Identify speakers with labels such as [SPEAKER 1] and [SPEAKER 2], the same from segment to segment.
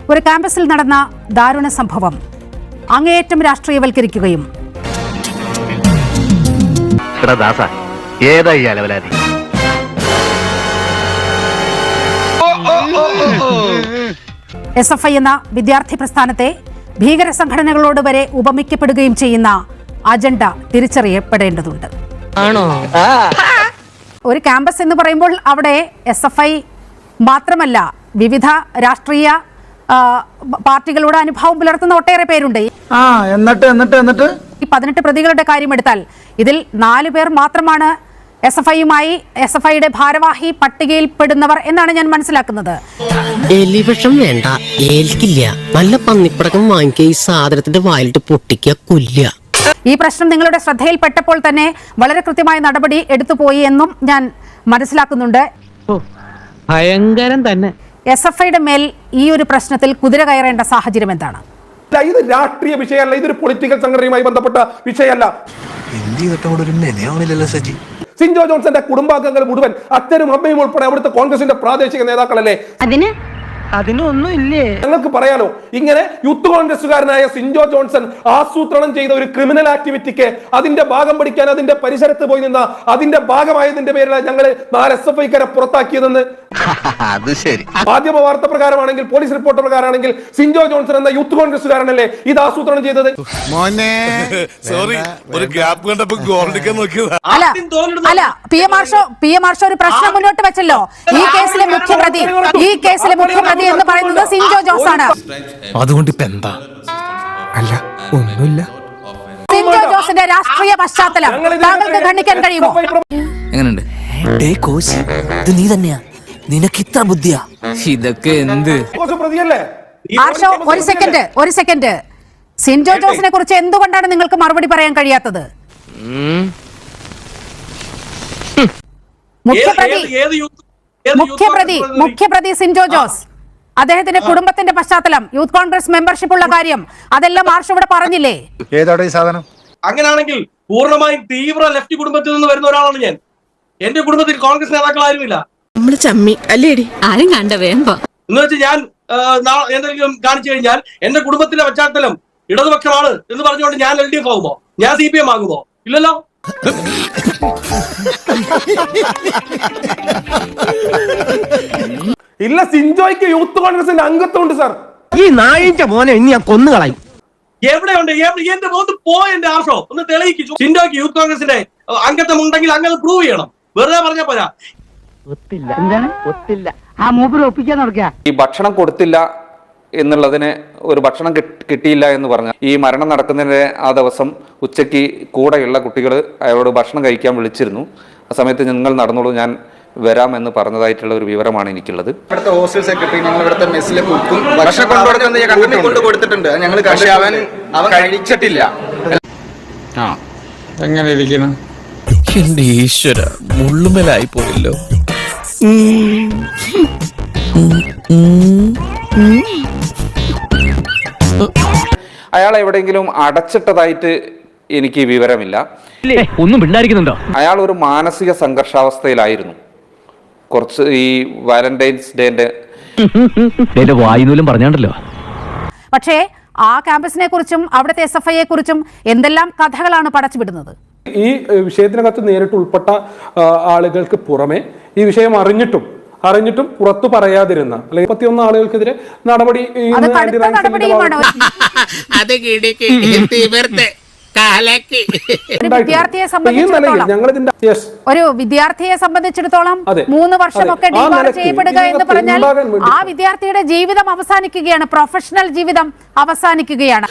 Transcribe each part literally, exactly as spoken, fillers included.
[SPEAKER 1] ഒരു ക്യാമ്പസിൽ നടന്ന ദാരുണ സംഭവം അങ്ങേയറ്റം രാഷ്ട്രീയവൽക്കരിക്കുകയും എസ് എഫ് ഐ എന്ന വിദ്യാർത്ഥി പ്രസ്ഥാനത്തെ ഭീകര സംഘടനകളോട് വരെ ഉപമിക്കപ്പെടുകയും ചെയ്യുന്ന അജണ്ട തിരിച്ചറിയപ്പെടേണ്ടതുണ്ട്. ഒരു ക്യാമ്പസ് എന്ന് പറയുമ്പോൾ അവിടെ എസ് എഫ് ഐ മാത്രമല്ല, വിവിധ രാഷ്ട്രീയ പാർട്ടികളുടെ അനുഭവം പുലർത്തുന്ന ഒട്ടേറെ പേരുണ്ട്.
[SPEAKER 2] എന്നിട്ട് എന്നിട്ട് എന്നിട്ട്
[SPEAKER 1] ഈ പതിനെട്ട് പ്രതികളുടെ കാര്യമെടുത്താൽ ഇതിൽ നാലു പേർ മാത്രമാണ് എസ് എഫ് ഐയുമായി എസ് എഫ് ഐയുടെ ഭാരവാഹി പട്ടികയിൽപ്പെടുന്നവർ എന്നാണ് ഞാൻ മനസ്സിലാക്കുന്നത്.
[SPEAKER 3] എലിവിഷം വേണ്ട, ഏൽക്കില്ല. നല്ല പന്നിപ്പടക്കം വാങ്ങിക്കുക, ഈ സാധനത്തിന്റെ വായിലിട്ട് പൊട്ടിക്കുക, കൊല്ലുക.
[SPEAKER 1] ഈ പ്രശ്നം നിങ്ങളുടെ ശ്രദ്ധയിൽപ്പെട്ടപ്പോൾ തന്നെ വളരെ കൃത്യമായ നടപടി എടുത്തുപോയി എന്നും ഞാൻ മനസ്സിലാക്കുന്നുണ്ട്.
[SPEAKER 4] ഭയങ്കരം തന്നെ.
[SPEAKER 1] എസ് എഫ് ഐയുടെ മേൽ ഈ ഒരു പ്രശ്നത്തിൽ കുതിര കയറേണ്ട സാഹചര്യം എന്താണ്?
[SPEAKER 5] ഇത് രാഷ്ട്രീയ വിഷയമല്ല, ഇതൊരു പൊളിറ്റിക്കൽ സംഘടനയുമായി ബന്ധപ്പെട്ട വിഷയമല്ല. സിൻജോ ജോൺസന്റെ കുടുംബാംഗങ്ങൾ മുഴുവൻ അച്ഛനും അമ്മയും ഉൾപ്പെടെ അവിടുത്തെ കോൺഗ്രസിന്റെ പ്രാദേശിക നേതാക്കളല്ലേ?
[SPEAKER 4] അതിന് അതിനൊന്നും ഇല്ലേ?
[SPEAKER 5] ഞങ്ങൾക്ക് പറയാലോ, ഇങ്ങനെ യൂത്ത് കോൺഗ്രസുകാരനായ സിൻജോ ജോൺസൺ ആസൂത്രണം ചെയ്ത ഒരു ക്രിമിനൽ ആക്ടിവിറ്റിക്ക് അതിന്റെ ഭാഗം പഠിക്കാൻ അതിന്റെ പരിസരത്ത് പോയി നിന്ന അതിന്റെ ഭാഗമായതിന്റെ പേരിലാണ് ഞങ്ങൾ നാല് എസ് എഫ് ഐക്കാരെ പുറത്താക്കിയതെന്ന്. മാധ്യമ വാർത്ത പ്രകാരമാണെങ്കിൽ, പോലീസ് റിപ്പോർട്ട് പ്രകാരമാണെങ്കിൽ സിൻജോ ജോൺസൺ എന്ന യൂത്ത് കോൺഗ്രസുകാരനല്ലേ ഇത് ആസൂത്രണം ചെയ്തത്?
[SPEAKER 1] അല്ല അല്ല P M Arsho P M Arsho ഒരു പ്രശ്നം മുന്നോട്ട് വെച്ചല്ലോ. ഈ കേസിലെ മുഖ്യപ്രതി ഈ കേസിലെ മുഖ്യപ്രതി എന്ന് പറയുന്നത് സിൻജോ ജോസ് ആണ്.
[SPEAKER 6] അതുകൊണ്ട് ഇപ്പൊ എന്താ? അല്ല, ഒന്നുമില്ല.
[SPEAKER 1] സിൻജോ ജോസിന്റെ രാഷ്ട്രീയ പശ്ചാത്തലം താങ്കൾക്ക് ഖണ്ഡിക്കാൻ കഴിയുമോ?
[SPEAKER 6] എങ്ങനെയുണ്ട്? നീ തന്നെയാ, നിനക്ക് ഇത്ര ബുദ്ധിയാ? ഇതൊക്കെ എന്ത്?
[SPEAKER 1] ആർഷോ, ഒരു സെക്കൻഡ് ഒരു സെക്കൻഡ് സിൻജോ ജോസിനെ കുറിച്ച് എന്തുകൊണ്ടാണ് നിങ്ങൾക്ക് മറുപടി പറയാൻ കഴിയാത്തത്? മുഖ്യപ്രതി മുഖ്യപ്രതി മുഖ്യപ്രതി സിൻജോ ജോസ്, അദ്ദേഹത്തിന്റെ കുടുംബത്തിന്റെ പശ്ചാത്തലം, യൂത്ത് കോൺഗ്രസ് മെമ്പർഷിപ്പ് ഉള്ള കാര്യം, അതെല്ലാം ആർഷോ ഇവിടെ പറഞ്ഞില്ലേ?
[SPEAKER 2] ഏതാണ് ഈ സാധനം?
[SPEAKER 7] അങ്ങനെയാണെങ്കിൽ പൂർണ്ണമായും തീവ്ര ലെഫ്റ്റ് കുടുംബത്തിൽ നിന്ന് വരുന്ന ഒരാളാണ് ഞാൻ. എന്റെ കുടുംബത്തിൽ കോൺഗ്രസ് നേതാക്കൾ ആരുമില്ല.
[SPEAKER 8] നമ്മള് ചമ്മി അല്ലേടി, ആരും കണ്ട വേമ്പോ
[SPEAKER 7] എന്ന് വെച്ച് ഞാൻ എന്തെങ്കിലും കാണിച്ചു കഴിഞ്ഞാൽ എന്റെ കുടുംബത്തിന്റെ പശ്ചാത്തലം ഇടതുപക്ഷമാണ് എന്ന് പറഞ്ഞുകൊണ്ട് ഞാൻ എൽ ഡി എഫ് ആകുമോ? ഞാൻ സി പി എം ആകുമോ? ഇല്ലല്ലോ.
[SPEAKER 5] ഇല്ല, സിൻജോയ്ക്ക് യൂത്ത് കോൺഗ്രസിന്റെ അംഗത്വമുണ്ട് സാർ.
[SPEAKER 4] ഈ നായിന്റെ മോനെ ഇനി ഞാൻ കൊന്നുകളയും.
[SPEAKER 7] എവിടെയുണ്ട്? എന്റെ മോന്ന് പോയ എന്റെ ആർഷോ ഒന്ന് തെളിയിച്ചു. സിൻജോയ്ക്ക് യൂത്ത് കോൺഗ്രസിന്റെ അംഗത്വം ഉണ്ടെങ്കിൽ അങ്ങനെ പ്രൂവ് ചെയ്യണം. വെറുതെ പറഞ്ഞാ പോരാ.
[SPEAKER 4] ഒത്തില്ല. എന്താണ് ഒത്തില്ല? ആ മൂപ്പര് ഒപ്പിക്കാൻ നടക്കുക.
[SPEAKER 9] ഈ ഭക്ഷണം കൊടുത്തില്ല എന്നുള്ളതിന് ഒരു ഭക്ഷണം കിട്ടിയില്ല എന്ന് പറഞ്ഞാൽ ഈ മരണം നടക്കുന്നതിന്റെ ആ ദിവസം ഉച്ചയ്ക്ക് കൂടെയുള്ള കുട്ടികൾ അയാളോട് ഭക്ഷണം കഴിക്കാൻ വിളിച്ചിരുന്നു. ആ സമയത്ത് നിങ്ങൾ നടന്നോളൂ, ഞാൻ വരാമെന്ന് പറഞ്ഞതായിട്ടുള്ള ഒരു വിവരമാണ് എനിക്കുള്ളത്.
[SPEAKER 2] ഇവിടുത്തെ ഹോസ്റ്റൽ സെക്രട്ടറി ഞങ്ങൾ ഇവിടുത്തെ മെസ്സിലെ കുക്കും ഭക്ഷണം കൊണ്ട് കൊടുത്തിട്ടുണ്ട്. ഞങ്ങൾ അവൻ അവൻ കഴിച്ചിട്ടില്ല.
[SPEAKER 6] ആ, എങ്ങനെ ഇരിക്കണം? എന്റെ ഈശ്വര, മുള്ളുമലായി പോയല്ലോ.
[SPEAKER 9] അയാൾ എവിടെയെങ്കിലും അടച്ചിട്ടതായിട്ട് എനിക്ക് വിവരമില്ല.
[SPEAKER 4] ഒന്നും പിണ്ടായിരിക്കുന്നുണ്ടോ?
[SPEAKER 9] അയാൾ ഒരു മാനസിക സംഘർഷാവസ്ഥയിലായിരുന്നു. കുറച്ച് ഈ വാലന്റൈൻസ് ഡേന്റെ
[SPEAKER 4] വായുനൂലും പറഞ്ഞാണ്ടല്ലോ.
[SPEAKER 1] പക്ഷേ ആ ക്യാമ്പസിനെ കുറിച്ചും അവിടുത്തെ എസ് എഫ് ഐയെ കുറിച്ചും എന്തെല്ലാം കഥകളാണ് പടച്ചുവിടുന്നത്.
[SPEAKER 5] ഈ വിഷയത്തിനകത്ത് നേരിട്ട് ഉൾപ്പെട്ട ആളുകൾക്ക് പുറമെ ഈ വിഷയം അറിഞ്ഞിട്ടും അറിഞ്ഞിട്ടും പുറത്തു പറയാതിരുന്ന അല്ലെങ്കിൽ മുപ്പത്തിയൊന്ന് ആളുകൾക്കെതിരെ നടപടി
[SPEAKER 1] വിദ്യാർത്ഥിയെ സംബന്ധിച്ചിടത്തോളം ഒരു വിദ്യാർത്ഥിയെ സംബന്ധിച്ചിടത്തോളം മൂന്ന് വർഷമൊക്കെ ഡിബാർ ചെയ്യപ്പെടുക എന്ന് പറഞ്ഞാൽ ആ വിദ്യാർത്ഥിയുടെ ജീവിതം അവസാനിക്കുകയാണ്, പ്രൊഫഷണൽ ജീവിതം അവസാനിക്കുകയാണ്.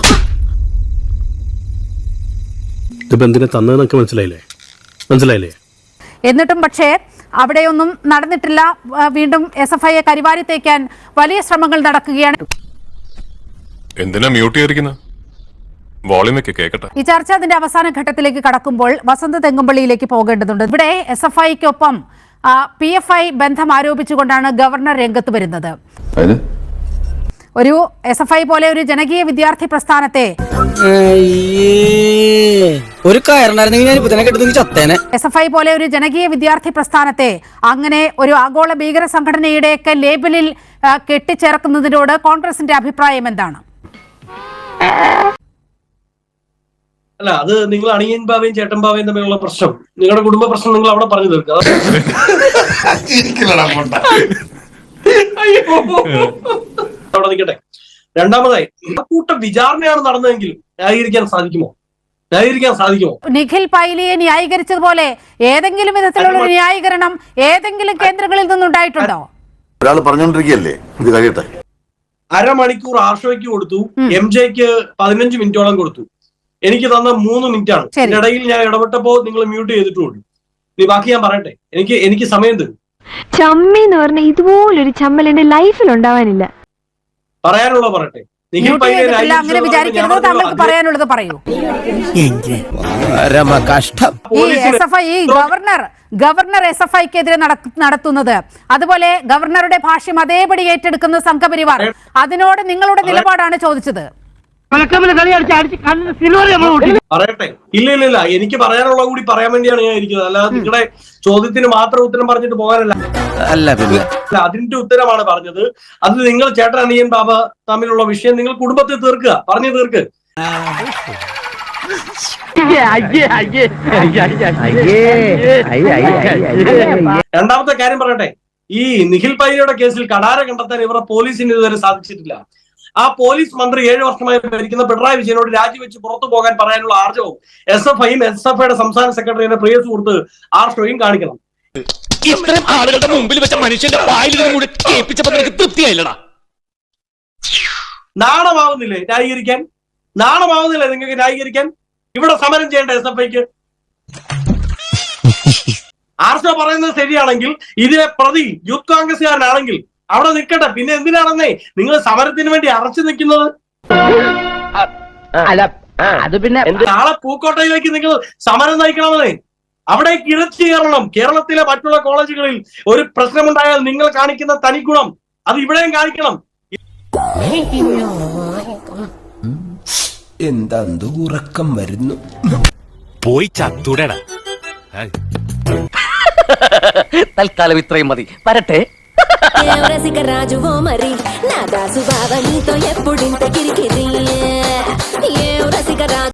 [SPEAKER 10] മനസ്സിലായില്ലേ മനസ്സിലായില്ലേ
[SPEAKER 1] എന്നിട്ടും പക്ഷേ അവിടെയൊന്നും നടന്നിട്ടില്ല. വീണ്ടും എസ് എഫ് ഐയെ കരിവാരി തേക്കാൻ വലിയ ശ്രമങ്ങൾ നടക്കുകയാണ്.
[SPEAKER 11] എന്തിനാ മ്യൂട്ട് ചെയ്തിരിക്കുന്നത്?
[SPEAKER 1] ഈ ചർച്ച അതിന്റെ അവസാന ഘട്ടത്തിലേക്ക് കടക്കുമ്പോൾ വസന്ത തെങ്ങുംപള്ളിയിലേക്ക് പോകേണ്ടതുണ്ട്. ഇവിടെ എസ് എഫ് ഐക്കൊപ്പം പി എഫ് ഐ ബന്ധം ആരോപിച്ചുകൊണ്ടാണ് ഗവർണർ രംഗത്ത് വരുന്നത്. ഒരു എസ് എഫ് ഐ പോലെ ഒരു ജനകീയ വിദ്യാർത്ഥി പ്രസ്ഥാനത്തെ
[SPEAKER 3] ഒരു കയറുണ്ടായിരുന്നെങ്കിൽ ഞാൻ ഇപ്പൊ തന്നെ കെട്ടുന്നെങ്കിൽ ചത്തേനെ.
[SPEAKER 1] എസ് എഫ് ഐ പോലെ ഒരു ജനകീയ വിദ്യാർത്ഥി പ്രസ്ഥാനത്തെ അങ്ങനെ ഒരു ആഗോള ഭീകര സംഘടനയുടെയൊക്കെ ലേബലിൽ കെട്ടിച്ചേർക്കുന്നതിനോട് കോൺഗ്രസിന്റെ അഭിപ്രായം എന്താണ്?
[SPEAKER 7] അല്ല, അത് നിങ്ങൾ അണിയൻ ബാവയും ചേട്ടൻ ബാവയും തമ്മിലുള്ള പ്രശ്നം, നിങ്ങളുടെ കുടുംബ പ്രശ്നം നിങ്ങൾ അവിടെ പറഞ്ഞു തീർക്കുക. അവിടെ നിൽക്കട്ടെ. രണ്ടാമതായി, കൂട്ടം വിചാരണയാണ് നടന്നതെങ്കിലും ന്യായീകരിക്കാൻ സാധിക്കുമോ? ന്യായീകരിക്കാൻ സാധിക്കുമോ?
[SPEAKER 1] നിഖിൽ പൈലിയെ ന്യായീകരിച്ചതുപോലെ ഏതെങ്കിലും വിധത്തിലുള്ള ഒരു ന്യായീകരണം ഏതെങ്കിലും കേന്ദ്രങ്ങളിൽ നിന്നുണ്ടായിട്ടുണ്ടോ?
[SPEAKER 11] ഒരാൾ പറഞ്ഞോണ്ടിരിക്കല്ലേ, ഇത് കഴിയട്ടെ.
[SPEAKER 7] അരമണിക്കൂർ ആർഷോയ്ക്ക് കൊടുത്തു, എം ജെക്ക് പതിനഞ്ച് മിനിറ്റോളം കൊടുത്തു. എനിക്ക് തന്ന മൂന്ന് മിനിറ്റ് ആണ്. ഇതിനിടയിൽ ഞാൻ ഇടപെട്ടപ്പോ നിങ്ങൾ മ്യൂട്ട് ചെയ്തിട്ടുള്ളൂ. നീ ബാക്കി ഞാൻ പറയട്ടെ, എനിക്ക് എനിക്ക് സമയം തരും.
[SPEAKER 8] ചമ്മി എന്ന് പറഞ്ഞ ഇതുപോലൊരു ചമ്മൽ എന്റെ ലൈഫിൽ ഉണ്ടാവാനില്ല.
[SPEAKER 7] പറയാനുള്ള പറയട്ടെ. നിഖിൽ പൈലിയെ
[SPEAKER 1] അങ്ങനെ വിചാരിക്കരുത്, താങ്കൾക്ക് പറയാനുള്ളത് പറയൂ. ഈ എസ് എഫ് ഐ ഈ ഗവർണർ ഗവർണർ എസ് എഫ് ഐക്കെതിരെ നടത്തുന്നത്, അതുപോലെ ഗവർണറുടെ ഭാഷ്യം അതേപടി ഏറ്റെടുക്കുന്ന സംഘപരിവാർ, അതിനോട് നിങ്ങളുടെ നിലപാടാണ് ചോദിച്ചത്.
[SPEAKER 7] പറയട്ടെ. ഇല്ല ഇല്ല ഇല്ല എനിക്ക് പറയാനുള്ള കൂടി പറയാൻ വേണ്ടിയാണ് ഞാൻ ഇരിക്കുന്നത്. അല്ലാതെ നിങ്ങളുടെ ചോദ്യത്തിന് മാത്രം ഉത്തരം പറഞ്ഞിട്ട് പോകാനല്ല. അല്ല, അതിന്റെ ഉത്തരമാണ് പറഞ്ഞത്. അത് നിങ്ങൾ ചേട്ടൻ അനിയൻ ബാബ തമ്മിലുള്ള വിഷയം നിങ്ങൾ കുടുംബത്തിൽ തീർക്കുക, പറഞ്ഞു തീർക്ക്. രണ്ടാമത്തെ കാര്യം പറയട്ടെ. ഈ നിഖിൽ പൈലിയുടെ കേസിൽ കടാര കണ്ടെത്താൻ ഇവരുടെ പോലീസിന് ഇതുവരെ സാധിച്ചിട്ടില്ല. ആ പോലീസ് മന്ത്രി ഏഴു വർഷമായി ഭരിക്കുന്ന പിണറായി വിജയനോട് രാജിവെച്ച് പുറത്തു പോകാൻ പറയാനുള്ള ആർജവും എസ് എഫ് ഐയും എസ് എഫ് ഐയുടെ സംസ്ഥാന സെക്രട്ടറിയുടെ പ്രിയ സുഹൃത്ത് ആർഷോയും കാണിക്കണം.
[SPEAKER 6] ഇത്രയും ആളുകളുടെ മുമ്പിൽ വെച്ച മനുഷ്യന്റെ തൃപ്തിയായില്ലടാ.
[SPEAKER 7] നാണമാവുന്നില്ലേ ന്യായീകരിക്കാൻ? നാണമാവുന്നില്ലേ നിങ്ങൾക്ക് ന്യായീകരിക്കാൻ? ഇവിടെ സമരം ചെയ്യേണ്ട എസ് എഫ് ഐക്ക്. ആർഷോ പറയുന്നത് ശരിയാണെങ്കിൽ, ഇതിലെ പ്രതി യൂത്ത് കോൺഗ്രസ്സുകാരനാണെങ്കിൽ അവിടെ നിൽക്കട്ടെ. പിന്നെ എന്തിനാണെന്നേ നിങ്ങൾ സമരത്തിന് വേണ്ടി അറച്ചു നിൽക്കുന്നത്?
[SPEAKER 4] അത് പിന്നെ
[SPEAKER 7] നാളെ പൂക്കോട്ടയിലേക്ക് നിങ്ങൾ സമരം നയിക്കണമെന്നേ. അവിടെ ഇറച്ചി കയറണം. കേരളത്തിലെ മറ്റുള്ള കോളേജുകളിൽ ഒരു പ്രശ്നമുണ്ടായാൽ നിങ്ങൾ കാണിക്കുന്ന തനിഗുണം അത് ഇവിടെയും കാണിക്കണം.
[SPEAKER 6] എന്താ ഉറക്കം വരുന്നു? പോയി ചത്തുടടാ.
[SPEAKER 4] തൽക്കാലം ഇത്രയും മതി, വരട്ടെ.
[SPEAKER 8] రాజువో మరి నా దాసు బావ నీతో ఎప్పుడింత కిరికిరి ఏ రసిక